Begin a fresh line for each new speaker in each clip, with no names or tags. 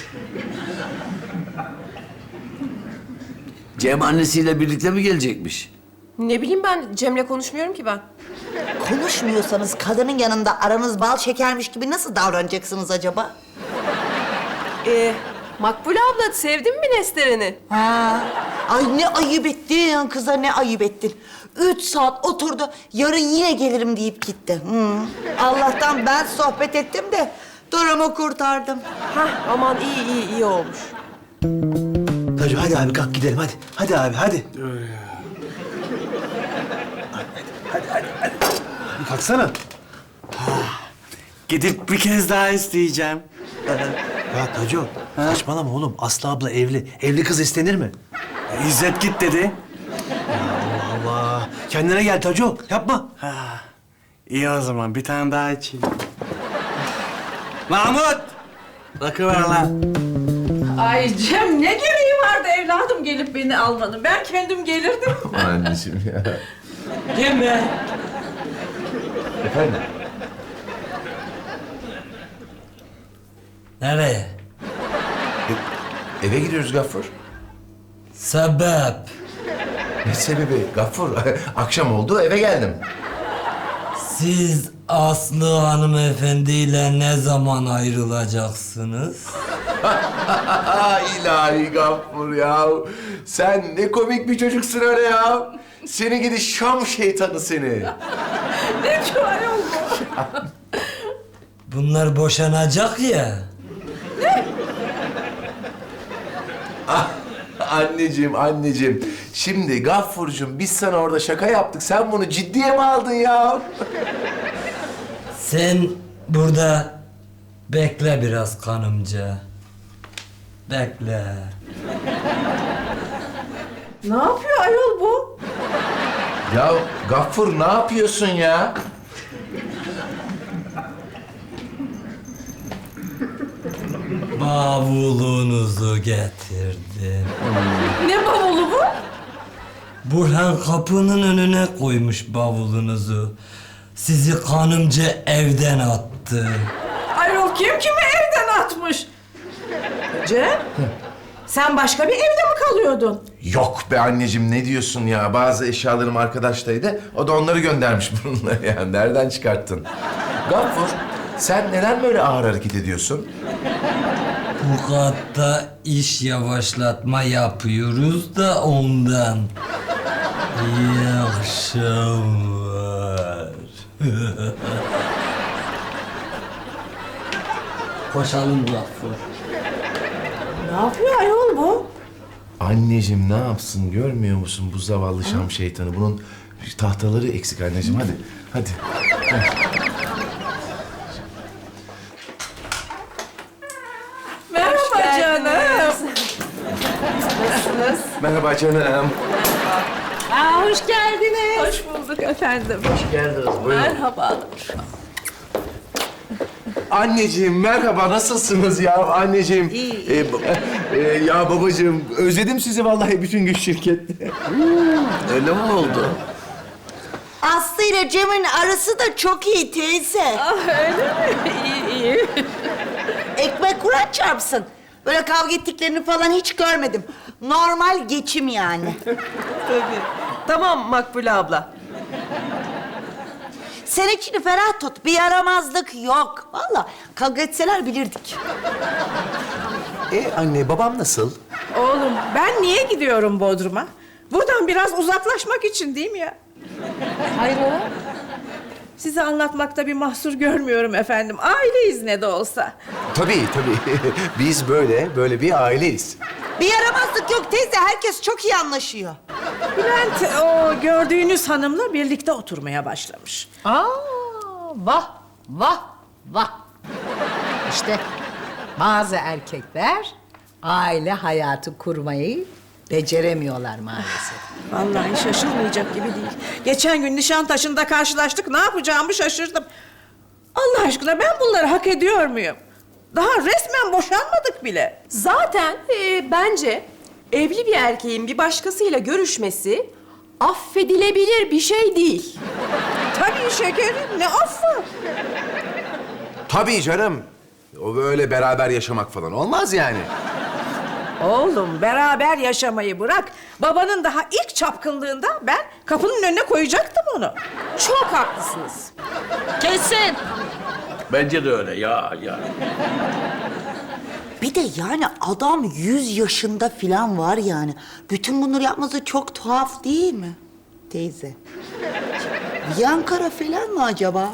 Cem annesiyle birlikte mi gelecekmiş?
Ne bileyim ben, Cem'le konuşmuyorum ki ben.
Konuşmuyorsanız kadının yanında aranız bal şekermiş gibi nasıl davranacaksınız acaba?
Makbule abla, sevdin mi Nesteren'i?
Ha. Ay ne ayıp ettin kıza, ne ayıp ettin. 3 saat oturdu, yarın yine gelirim deyip gitti. Hı. Allah'tan ben sohbet ettim de durumu kurtardım.
Hah, aman iyi olmuş.
Tacu hadi abi kalk gidelim hadi. Hadi abi hadi. Hadi. Kalksana.
Gidip bir kez daha isteyeceğim.
Ya Tacu saçmalama oğlum. Aslı abla evli. Evli kız istenir mi?
İzzet git dedi.
Allah Allah. Kendine gel Tacu. Yapma.
İyi o zaman bir tane daha içeyim. Mahmut! Bakıver lan.
Ay Cem, ne gereği vardı evladım gelip beni almanın? Ben kendim gelirdim.
Anneciğim ya.
Deme.
Efendim?
Nereye?
Eve gidiyoruz Gaffur.
Sebep?
Ne sebebi Gaffur? Akşam oldu eve geldim.
Siz Aslı hanımefendiyle ne zaman ayrılacaksınız?
İlahi Gaffur ya. Sen ne komik bir çocuksun öyle ya. Seni gidi Şam şeytanı seni.
Ne çay oldu?
Bunlar boşanacak ya.
Anneciğim. Şimdi Gaffurcuğum biz sana orada şaka yaptık. Sen bunu ciddiye mi aldın ya?
Sen burada bekle biraz kanımca. Bekle.
Ne yapıyor ayol bu?
Ya Gaffur ne yapıyorsun ya?
Bavulunuzu getirdim.
Ne bavulu bu?
Burhan kapının önüne koymuş bavulunuzu. Sizi kanımca evden attı.
Ayol kim kimi evden atmış? Cem, sen başka bir evde mi kalıyordun?
Yok be anneciğim ne diyorsun ya? Bazı eşyalarım arkadaştaydı. O da onları göndermiş bununla yani. Nereden çıkarttın? Gaffur sen neden böyle ağır hareket ediyorsun?
Bu katta iş yavaşlatma yapıyoruz da ondan. İyi akşamlar. Koşalım Gaffur.
Ne yapıyor ayol bu?
Anneciğim ne yapsın görmüyor musun bu zavallı Şam şeytanı? Bunun tahtaları eksik anneciğim hadi. Hadi.
Merhaba canım.
Nasılsınız?
Merhaba canım.
Aa, hoş geldiniz. Hoş bulduk efendim.
Hoş geldiniz. Buyurun.
Merhabalar.
Anneciğim merhaba nasılsınız ya anneciğim?
İyi.
Ya babacığım özledim sizi vallahi bütün gün şirkette.
Öyle mi oldu?
Aslı ile Cem'in arası da çok iyi teyze.
Ah, öyle mi? İyi.
Ekmek Kur'an çarpsın. Böyle kavga ettiklerini falan hiç görmedim. Normal geçim yani.
Tabii. Tamam Makbule abla.
Sen içini ferah tut. Bir yaramazlık yok. Vallahi kavga etseler bilirdik.
Anne babam nasıl?
Oğlum, ben niye gidiyorum Bodrum'a? Buradan biraz uzaklaşmak için değil mi ya? Hayrola? Size anlatmakta bir mahsur görmüyorum efendim. Aileyiz ne de olsa.
Tabii. Biz böyle bir aileyiz.
Bir yaramazlık yok teyze. Herkes çok iyi anlaşıyor.
Bülent o gördüğünüz hanımla birlikte oturmaya başlamış.
Vah. İşte bazı erkekler aile hayatı kurmayı beceremiyorlar maalesef.
Vallahi şaşılmayacak gibi değil. Geçen gün Nişantaşı'nda karşılaştık. Ne yapacağımı şaşırdım. Allah aşkına ben bunları hak ediyor muyum? Daha resmen boşanmadık bile.
Zaten bence evli bir erkeğin bir başkasıyla görüşmesi affedilebilir bir şey değil.
Tabii şekerim, ne affı?
Tabii canım.
O böyle beraber yaşamak falan olmaz yani.
Oğlum beraber yaşamayı bırak. Babanın daha ilk çapkınlığında ben kapının önüne koyacaktım onu.
Çok haklısınız.
Kesin.
Bence de öyle ya.
Bir de yani adam 100 yaşında falan var yani. Bütün bunları yapması çok tuhaf değil mi teyze? Yankara falan mı acaba?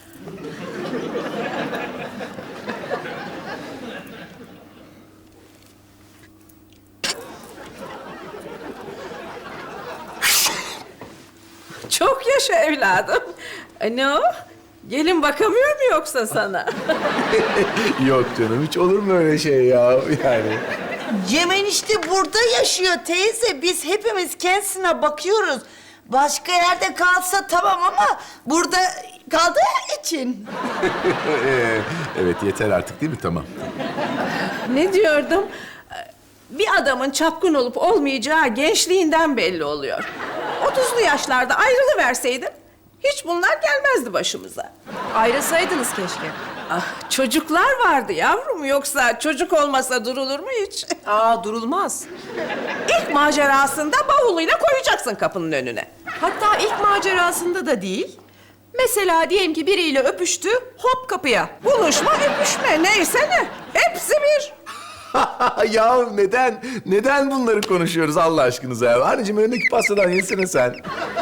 Çok yaşa evladım. Ne o? Gelin bakamıyor mu yoksa sana?
Yok canım, hiç olur mu öyle şey ya yani?
Cem enişte burada yaşıyor teyze. Biz hepimiz kendisine bakıyoruz. Başka yerde kalsa tamam ama burada kaldığı için.
Evet, yeter artık değil mi? Tamam.
Ne diyordum? Bir adamın çapkın olup olmayacağı gençliğinden belli oluyor. 30'lu yaşlarda ayrılıverseydin hiç bunlar gelmezdi başımıza.
Ayrılsaydınız keşke.
Ah, çocuklar vardı yavrum. Yoksa çocuk olmasa durulur mu hiç?
Aa, durulmaz.
İlk macerasında bavuluyla koyacaksın kapının önüne.
Hatta ilk macerasında da değil. Mesela diyelim ki biriyle öpüştü, hop kapıya.
Buluşma, öpüşme neyse ne. Hepsi bir.
Ya neden bunları konuşuyoruz Allah aşkınıza ya? Anneciğim önündeki pastadan yesene sen.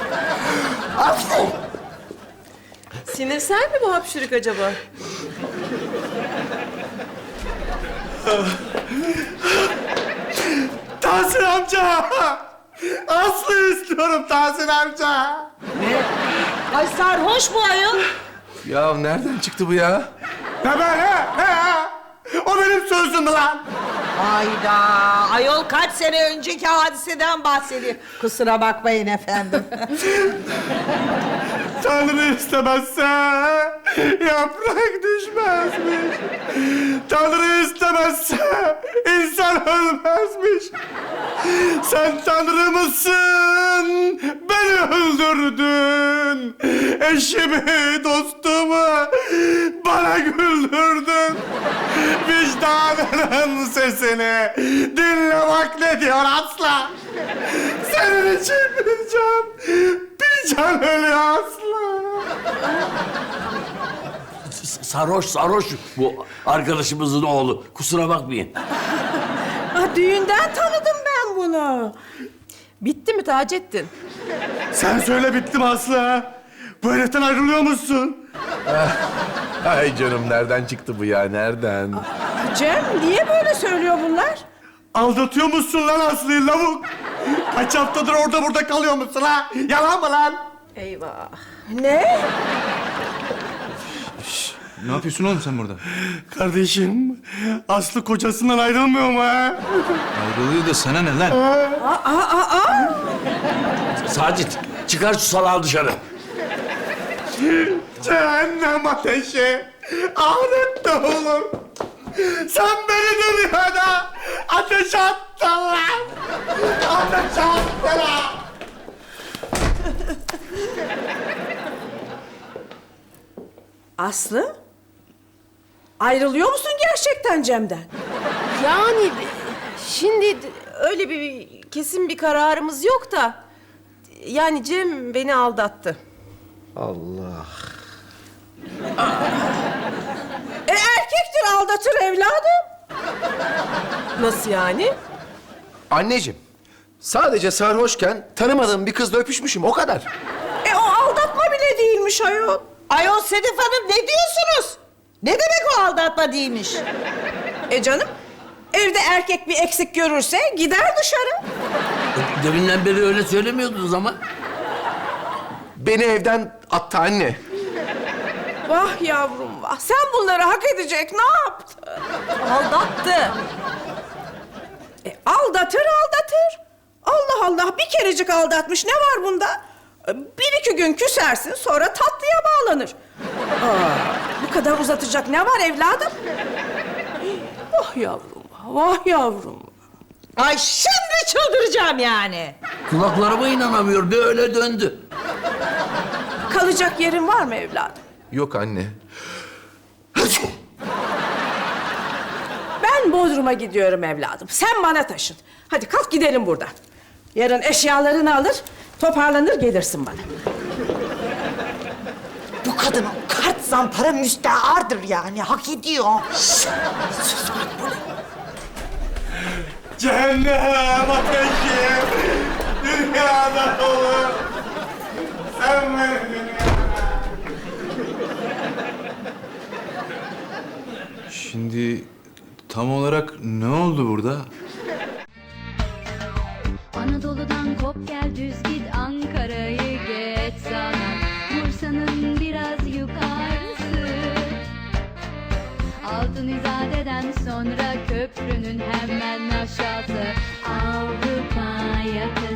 Sinirsel mi bu hapşırık acaba?
Tahsin amca! Aslı istiyorum Tahsin amca.
Ay sarhoş bu ayol.
Ya nereden çıktı bu ya?
Ne böyle? O benim sözümdü lan.
Hayda. Ayol kaç sene önceki hadiseden bahsediyor. Kusura bakmayın efendim.
Tanrı istemezse yaprak düşmezmiş. Tanrı istemezse insan ölmezmiş. Sen Tanrı mısın? Beni öldürdün. Eşimi, dostumu bana güldürdün. Vicdanının sesini dinle bak ne diyor asla. Senin için bir can ölüyor asla.
Sarhoş bu arkadaşımızın oğlu. Kusura bakmayın.
Ah, düğünden tanıdım ben bunu.
Bitti mi Taceddin?
Sen söyle bitti mi Aslı? Bu heriften ayrılıyor musun?
Ay canım nereden çıktı bu ya? Nereden?
Cem niye böyle söylüyor bunlar?
Aldatıyor musun lan Aslı'yı lavuk? Kaç haftadır orada burada kalıyor musun ha? Yalan mı lan?
Eyvah.
Ne?
Ne yapıyorsun oğlum sen burada?
Kardeşim, Aslı kocasından ayrılmıyor mu ha?
Ayrılıyor da sana ne lan?
Sacit çıkar şu salağı dışarı.
Cehennem ateşi, ahirette olur. Sen beni dünyada ateşe attın lan. Ateşe attın lan.
Aslı? Ayrılıyor musun gerçekten Cem'den?
Yani şimdi öyle bir kesin bir kararımız yok da... Yani Cem beni aldattı.
Erkektir aldatır evladım.
Nasıl yani?
Anneciğim, sadece sarhoşken tanımadığım bir kızla öpüşmüşüm, o kadar.
O aldatma bile değilmiş ayol.
Ayol Sedef Hanım ne diyorsunuz? Ne demek o aldatma değilmiş?
Canım, evde erkek bir eksik görürse gider dışarı.
Deminden beri öyle söylemiyordunuz ama.
Beni evden attı anne.
Vah yavrum vah. Sen bunları hak edecek ne yaptın?
Aldattı.
Aldatır. Allah Allah bir kerecik aldatmış ne var bunda? Bir iki gün küsersin sonra tatlıya bağlanır. Bu kadar uzatacak ne var evladım? Vah yavrum vah yavrum.
Ay şimdi çıldıracağım yani.
Kulaklarıma inanamıyor. Böyle döndü.
Kalacak yerin var mı evladım?
Yok anne.
Ben Bodrum'a gidiyorum evladım. Sen bana taşın. Hadi kalk gidelim buradan. Yarın eşyalarını alır, toparlanır gelirsin bana.
Bu kadın kart zampara müsteardır yani. Hak ediyor. Sus Makbule.
Cehennem ateşi dünyada dolu. Sen beni
Şimdi tam olarak ne oldu burada?
Anadolu'dan kop gel düz git Ankara'yı geç sana Bursa'nın biraz yukarısı Altın İzade'den sonra köprünün hemen aşağısı Avrupa yakası